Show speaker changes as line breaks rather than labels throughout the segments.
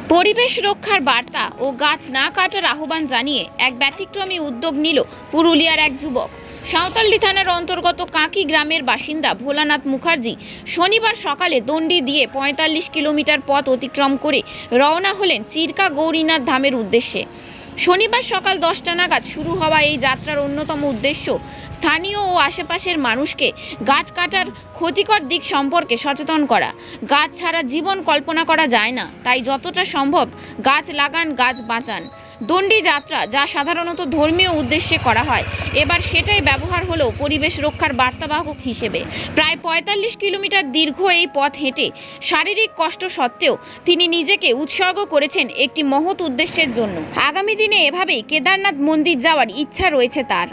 পরিবেশ রক্ষার বার্তা ও গাছ না কাটার আহ্বান জানিয়ে এক ব্যতিক্রমী উদ্যোগ নিল পুরুলিয়ার এক যুবক। সাঁওতালডি থানার অন্তর্গত কাঁকি গ্রামের বাসিন্দা ভোলানাথ মুখার্জি শনিবার সকালে দণ্ডি দিয়ে ৪৫ কিলোমিটার পথ অতিক্রম করে রওনা হলেন চিরকা গৌরীনাথ ধামের উদ্দেশ্যে। শনিবার সকাল 10টা নাগাদ শুরু হওয়া এই যাত্রার অন্যতম উদ্দেশ্য স্থানীয় ও আশেপাশের মানুষকে গাছ কাটার ক্ষতিকর দিক সম্পর্কে সচেতন করা। গাছ ছাড়া জীবন কল্পনা করা যায় না, তাই যতটা সম্ভব গাছ লাগান, গাছ বাঁচান। দণ্ডি যাত্রা যা সাধারণত ধর্মীয় উদ্দেশ্যে করা হয়, এবার সেটাই ব্যবহার হলো পরিবেশ রক্ষার বার্তাবাহক হিসেবে। প্রায় ৪৫ কিলোমিটার দীর্ঘ এই পথ হেঁটে শারীরিক কষ্ট সত্ত্বেও তিনি নিজেকে উৎসর্গ করেছেন একটি মহৎ উদ্দেশ্যের জন্য। আগামী দিনে এভাবেই কেদারনাথ মন্দির যাওয়ার ইচ্ছা রয়েছে তার।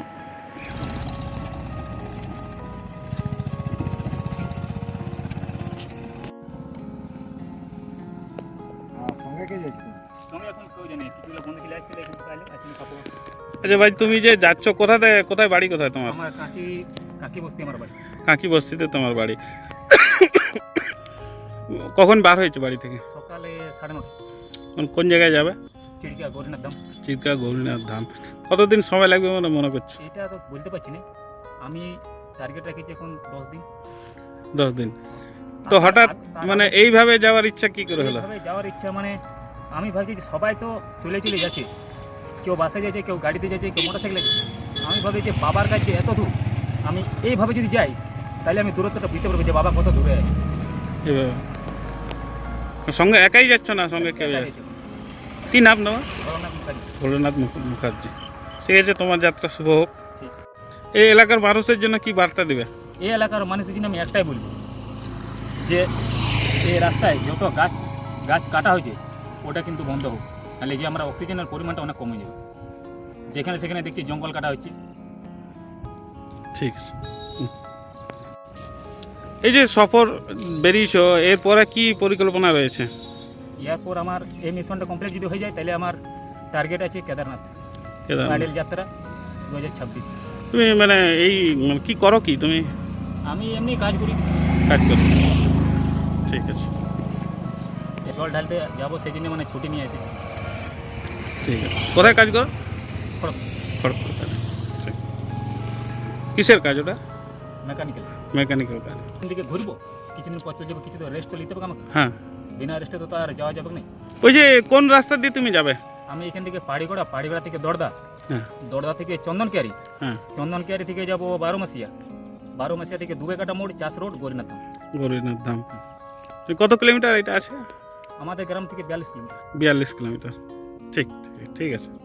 আচ্ছা ভাই, তুমি যে যাচ্ছ কোথায়, কোথায় বাড়ি, কোথায় তোমার?
আমার কাকি বস্তি আমার বাড়ি।
কাঁকি বস্তিতে তোমার বাড়ি। কখন বার হয়েছে বাড়ি থেকে?
সকালে 9:30।
কোন জায়গায় যাবে?
চিরকা গৌরীনাথ ধাম।
চিরকা গৌরীনাথ ধাম। কতদিন সময় লাগবে বলে মনে করছো?
এটা তো বলতে পারছি না, আমি টার্গেট রেখেছি এখন 10 দিন।
10 দিন। তো হঠাৎ মানে এইভাবে যাওয়ার ইচ্ছা কি করে হলো?
এইভাবে যাওয়ার ইচ্ছা মানে আমি ভাবছি যে সবাই তো চলে যাচ্ছে, কেউ বাসে যাচ্ছে, কেউ গাড়িতে যাচ্ছে, কেউ মোটরসাইকেলে যাচ্ছে। আমি ভাবি যে বাবার কাছে এত দূর, আমি এইভাবে যদি যাই তাহলে আমি দূরত্বটা বুঝতে পারবো যে বাবা কত দূরে আছে।
এভাবে সঙ্গে একাই যাচ্ছ না, সঙ্গে কেউ যাচ্ছে? কি নাম তোমার? ভোলানাথ মুখার্জি। ঠিক আছে, তোমার যাত্রা শুভ হোক। এই এলাকার মানুষের জন্য কি বার্তা দিবে?
এই এলাকার মানুষের জন্য আমি একটাই বলবো যে এই রাস্তায় যত গাছ কাটা হয়েছে ওটা কিন্তু বন্ধ হোক, তাহলে যে আমরা অক্সিজেনের পরিমাণটা অনেক কমে যাবে। যেখানে সেখানে দেখছি জঙ্গল কাটা হচ্ছে।
ঠিক আছে। এই যে সফর বেরিয়েছ, এরপরে কি পরিকল্পনা রয়েছে?
এরপর আমার এই মিশনটা কমপ্লিট যদি হয়ে যায় তাহলে আমার টার্গেট আছে কেদারনাথ প্যাডেল যাত্রা 2026।
তুমি মানে এই কি করো, কি তুমি?
আমি এমনি কাজ করি।
ঠিক আছে,
জল ঢালতে যাবো সেই জন্য মানে ছুটি নিয়ে আসি।
ঠিক আছে। কোথায় কাজ করো? খড়গপুর। কিসের কাজ ওটা? মেকানিক্যাল কাজ।
এখান থেকে ঘুরবো, কিছুদিন পর চলে যাবো, কিছু তো রেস্ট তো নিতে হবে আমাকে।
হ্যাঁ,
বিনা রেস্টে তো আর যাওয়া যাবে না।
ওই যে কোন রাস্তা দিয়ে তুমি যাবে?
আমি এখান থেকে পাড়িগড়া থেকে দড়দা,
হ্যাঁ,
দড়দা থেকে চন্দনকিয়ারি,
হ্যাঁ,
চন্দনকিয়ারি থেকে যাবো 12 মাসিয়া থেকে দুবেকাটা মোড়, চাষ রোড, গৌরীনাথ ধাম।
গৌরীনাথ ধাম। কত কিলোমিটার এটা আছে?
আমাদের গ্রাম থেকে 42 কিলোমিটার।
42 কিলোমিটার। ঠিক আছে।